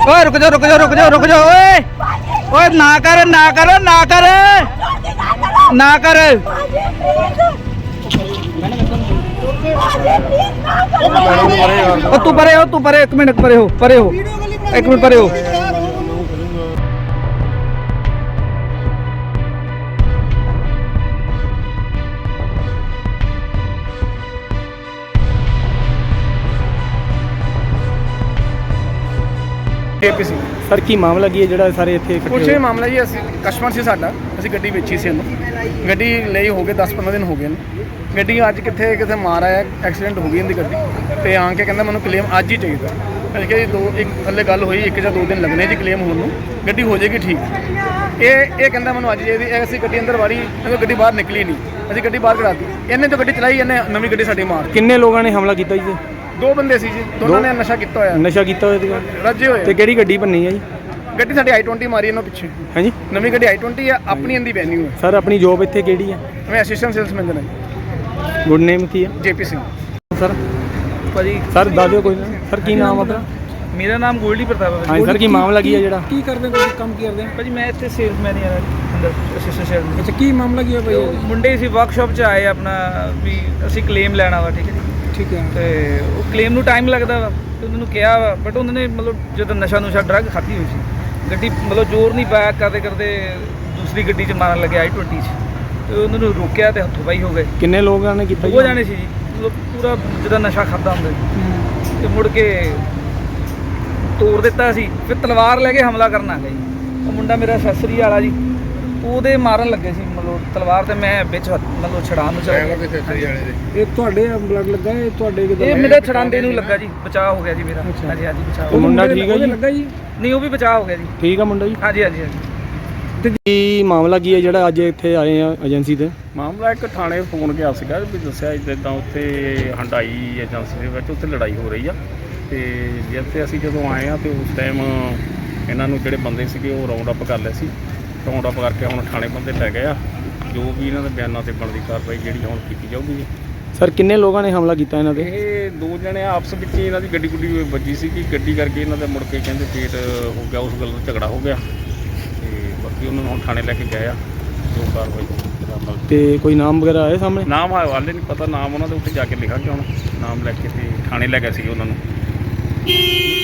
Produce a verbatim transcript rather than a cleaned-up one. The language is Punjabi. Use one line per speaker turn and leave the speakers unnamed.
ओए रुक जाओ रुक जाओ रुक जाओ रुक जाओ ओए ओए ना कर ना कर ना कर ना कर तू परे हो तू परे एक मिनट परे हो परे हो एक मिनट परे हो
केपीसी
ਸਰ ਕੀ ਮਾਮਲਾ ਕੀ ਹੈ ਜਿਹੜਾ ਸਾਰੇ ਇੱਥੇ ਇਕੱਠੇ
ਕੁਛ
ਹੋਏ?
ਇਹ ਮਾਮਲਾ ਜੀ ਅਸੀਂ ਕਸਟਮਰ ਸੀ ਸਾਡਾ ਅਸੀਂ ਗੱਡੀ ਵੇਚੀ ਸੀ ਇਹਨੂੰ ਗੱਡੀ ਲਈ ਹੋ ਗਏ ਦਸ ਪੰਦਰਾਂ ਦਿਨ ਹੋ ਗਏ ਨੇ ਗੱਡੀ ਅੱਜ ਕਿੱਥੇ ਕਿਤੇ ਮਾਰ ਆਇਆ ਐਕਸੀਡੈਂਟ ਹੋ ਗਈ ਇਹਦੀ ਗੱਡੀ ਤੇ ਆ ਕੇ ਕਹਿੰਦਾ ਮੈਨੂੰ ਕਲੇਮ ਅੱਜ ਹੀ ਚਾਹੀਦਾ ਅਸੀਂ ਕਿਹਾ ਜੀ ਦੋ ਇੱਕ ਥੱਲੇ ਗੱਲ ਹੋਈ ਇੱਕ ਜਾਂ ਦੋ ਦਿਨ ਲੱਗਣੇ ਜੀ ਕਲੇਮ ਹੋਣ ਨੂੰ ਗੱਡੀ ਹੋ ਜਾਏਗੀ ਠੀਕ ਇਹ ਇਹ ਕਹਿੰਦਾ ਮੈਨੂੰ ਅੱਜ ਚਾਹੀਦੀ ਇਹ ਅਸੀਂ ਗੱਡੀ ਅੰਦਰ ਵਾੜੀ ਇਹ ਗੱਡੀ ਬਾਹਰ ਨਿਕਲੀ ਨਹੀਂ ਅਸੀਂ ਗੱਡੀ ਬਾਹਰ ਕਢਾਤੀ ਇਹਨੇ ਤਾਂ ਗੱਡੀ ਚਲਾਈ ਇਹਨੇ ਨਵੀਂ ਗੱਡੀ ਸਾਡੀ ਮਾਰ
ਕਿੰਨੇ ਲੋਕਾਂ ਨੇ ਹਮਲਾ ਕੀਤਾ ਜੀ?
ਦੋ ਬੰਦੇ ਸੀ ਜੀ ਦੋਨਾਂ ਨੇ ਨਸ਼ਾ ਕੀਤਾ ਹੋਇਆ
ਨਸ਼ਾ ਕੀਤਾ ਹੋਇਆ ਸੀਗਾ
ਰੱਜੇ ਹੋਏ
ਤੇ ਕਿਹੜੀ ਗੱਡੀ ਭੰਨੀ ਹੈ ਜੀ?
ਗੱਡੀ ਸਾਡੀ ਆਈ ਟਵੈਂਟੀ ਮਾਰੀ ਇਹਨਾਂ ਪਿੱਛੇ
ਹਾਂਜੀ
ਨਵੀਂ ਗੱਡੀ ਆਈ ਟਵੈਂਟੀ ਆ ਆਪਣੀ ਇਹਦੀ ਵੈਨਿਊ ਹੈ
ਸਰ ਆਪਣੀ ਜੋਬ ਇੱਥੇ ਕਿਹੜੀ ਹੈ?
ਮੈਂ ਅਸਿਸਟੈਂਟ ਸੇਲਸ ਮੈਨੇਜਰ ਹਾਂ
ਗੁੱਡ ਨੇਮ ਕੀ ਹੈ
ਜੇਪੀ ਸਿੰਘ
ਸਰ?
ਭਾਜੀ
ਸਰ ਦੱਸ ਦਿਓ ਕੋਈ ਨਾ ਸਰ ਕੀ ਨਾਮ ਆਪਣਾ?
ਮੇਰਾ ਨਾਮ ਗੋਲਡੀ ਪ੍ਰਤਾਪ ਹੈ
ਹਾਂਜੀ ਸਰ ਕੀ ਮਾਮਲਾ ਕੀ ਹੈ ਜਿਹੜਾ?
ਕੀ ਕਰਦੇ ਹੋ ਤੁਸੀਂ ਕੰਮ ਕੀ ਕਰਦੇ ਹੋ?
ਭਾਜੀ ਮੈਂ ਇੱਥੇ ਸੇਲਸ ਮੈਨੇਜਰ ਹਾਂ ਅੰਦਰ ਅਸਿਸਟੈਂਟ ਸੇਲਸ
ਅੱਛਾ ਕੀ ਮਾਮਲਾ ਕੀ ਹੈ ਭਾਈ?
ਮੁੰਡੇ ਸੀ ਵਰਕਸ਼ਾਪ 'ਚ ਆਏ ਆਪਣਾ ਵੀ ਅਸੀਂ ਕਲੇਮ ਲੈਣਾ ਵਾ ਠੀਕ ਹੈ ਜੀ
ਠੀਕ ਹੈ
ਤੇ ਉਹ ਕਲੇਮ ਨੂੰ ਟਾਈਮ ਲੱਗਦਾ ਵਾ ਤੇ ਉਹਨਾਂ ਨੂੰ ਕਿਹਾ ਵਾ ਬਟ ਉਹਨਾਂ ਨੇ ਮਤਲਬ ਜਦੋਂ ਨਸ਼ਾ ਨੁਸ਼ਾ ਡਰੱਗ ਖਾਧੀ ਹੋਈ ਸੀ ਗੱਡੀ ਮਤਲਬ ਜ਼ੋਰ ਨਹੀਂ ਪਾਇਆ ਕਰਦੇ ਕਰਦੇ ਦੂਸਰੀ ਗੱਡੀ 'ਚ ਮਾਰਨ ਲੱਗਿਆ ਆਈ ਟਵੈਂਟੀ 'ਚ ਤੇ ਉਹਨਾਂ ਨੂੰ ਰੋਕਿਆ ਤੇ ਹੱਥੋਂ ਪਾਈ ਹੋ ਗਏ
ਕਿੰਨੇ ਲੋਕਾਂ ਨੇ ਕੀਤਾ
ਉਹ ਜਾਣੇ ਸੀ ਜੀ ਮਤਲਬ ਪੂਰਾ ਜਦੋਂ ਨਸ਼ਾ ਖਾਦਾ ਹੁੰਦਾ ਸੀ ਤੇ ਮੁੜ ਕੇ ਤੋੜ ਦਿੱਤਾ ਸੀ ਫਿਰ ਤਲਵਾਰ ਲੈ ਕੇ ਹਮਲਾ ਕਰਨ ਆ ਗਿਆ ਜੀ ਉਹ ਮੁੰਡਾ ਮੇਰਾ ਅਸੈਸਰੀ ਵਾਲਾ ਜੀ ਉਹਦੇ ਮਾਰਨ ਲੱਗੇ ਸੀ ਮਤਲਬ ਤਲਵਾਰ ਤੇ ਮੈਂ ਵਿੱਚ ਹੱਥ ਮਤਲਬ ਛੜਾਉਣ ਨੂੰ ਚਲਾ ਗਿਆ
ਇਹ ਤੁਹਾਡੇ ਬਲੱਡ ਲੱਗਾ ਇਹ ਤੁਹਾਡੇ ਕਿਦਾਂ?
ਇਹ ਮੇਰੇ ਛੜਾਂਦੇ ਨੂੰ ਲੱਗਾ ਜੀ ਬਚਾਅ ਹੋ ਗਿਆ ਜੀ ਮੇਰਾ
ਅੱਛਾ।
ਹਾਂਜੀ ਹਾਂਜੀ ਬਚਾਅ
ਉਹ ਮੁੰਡਾ ਠੀਕ ਹੈ ਜੀ?
ਲੱਗਾ ਜੀ
ਨਹੀਂ ਉਹ ਵੀ ਬਚਾਅ ਹੋ ਗਿਆ ਜੀ
ਠੀਕ ਆ ਮੁੰਡਾ ਜੀ?
ਹਾਂਜੀ ਹਾਂਜੀ ਹਾਂਜੀ
ਤੇ ਕੀ ਮਾਮਲਾ ਕੀ ਹੈ ਜਿਹੜਾ ਅੱਜ ਇੱਥੇ ਆਏ ਆ ਏਜੰਸੀ ਤੇ?
ਮਾਮਲਾ ਇੱਕ ਥਾਣੇ ਫੋਨ ਗਿਆ ਸੀਗਾ ਵੀ ਦੱਸਿਆ ਇੱਦਾਂ ਉੱਥੇ ਹੰਡਾਈ ਏਜੰਸੀ ਦੇ ਵਿੱਚ ਉੱਥੇ ਲੜਾਈ ਹੋ ਰਹੀ ਆ ਤੇ ਜਿੱਥੇ ਅਸੀਂ ਜਦੋਂ ਆਏ ਆ ਤੇ ਉਸ ਟਾਈਮ ਇਹਨਾਂ ਨੂੰ ਜਿਹੜੇ ਬੰਦੇ ਸੀਗੇ ਉਹ ਰਾਉਂਡ ਅਪ ਕਰ ਲਏ ਸੀ ਰਾਉਂਡ ਅਪ ਕਰਕੇ ਹੁਣ ਥਾਣੇ ਬੰਦੇ ਲੈ ਗਏ ਆ ਜੋ ਵੀ ਇਹਨਾਂ ਦੇ ਬਿਆਨਾਂ ਤੇ ਬਣਦੀ ਕਾਰਵਾਈ ਜਿਹੜੀ ਹੁਣ ਕੀਤੀ ਜਾਊਗੀ ਜੀ।
ਸਰ ਕਿੰਨੇ ਲੋਕਾਂ ਨੇ ਹਮਲਾ ਕੀਤਾ ਇਹਨਾਂ ਤੇ?
ਇਹ ਦੋ ਜਣੇ ਆਪਸ ਵਿੱਚ ਹੀ ਇਹਨਾਂ ਦੀ ਗੱਡੀ ਗੁੱਡੀ ਵੱਜੀ ਸੀ ਕਿ ਗੱਡੀ ਕਰਕੇ ਇਹਨਾਂ ਦੇ ਮੁੜ ਕੇ ਕਹਿੰਦੇ ਪੇਟ ਹੋ ਗਿਆ ਉਸ ਗੱਲ ਦਾ ਝਗੜਾ ਹੋ ਗਿਆ ਤੇ ਬਾਕੀ ਉਹਨਾਂ ਨੂੰ ਹੁਣ ਥਾਣੇ ਲੈ ਕੇ ਗਏ ਆ ਜੋ ਕਾਰਵਾਈ
ਤੇ ਕੋਈ ਨਾਮ ਵਗੈਰਾ ਆਏ ਸਾਹਮਣੇ?
ਨਾਮ ਹਾਲੇ ਨਹੀਂ ਪਤਾ ਨਾਮ ਉਹਨਾਂ ਦੇ ਉੱਤੇ ਜਾ ਕੇ ਲਿਖਾਂਗੇ ਹੁਣ ਨਾਮ ਲੈ ਕੇ ਤੇ ਥਾਣੇ ਲੈ ਗਏ ਸੀ ਉਹਨਾਂ ਨੂੰ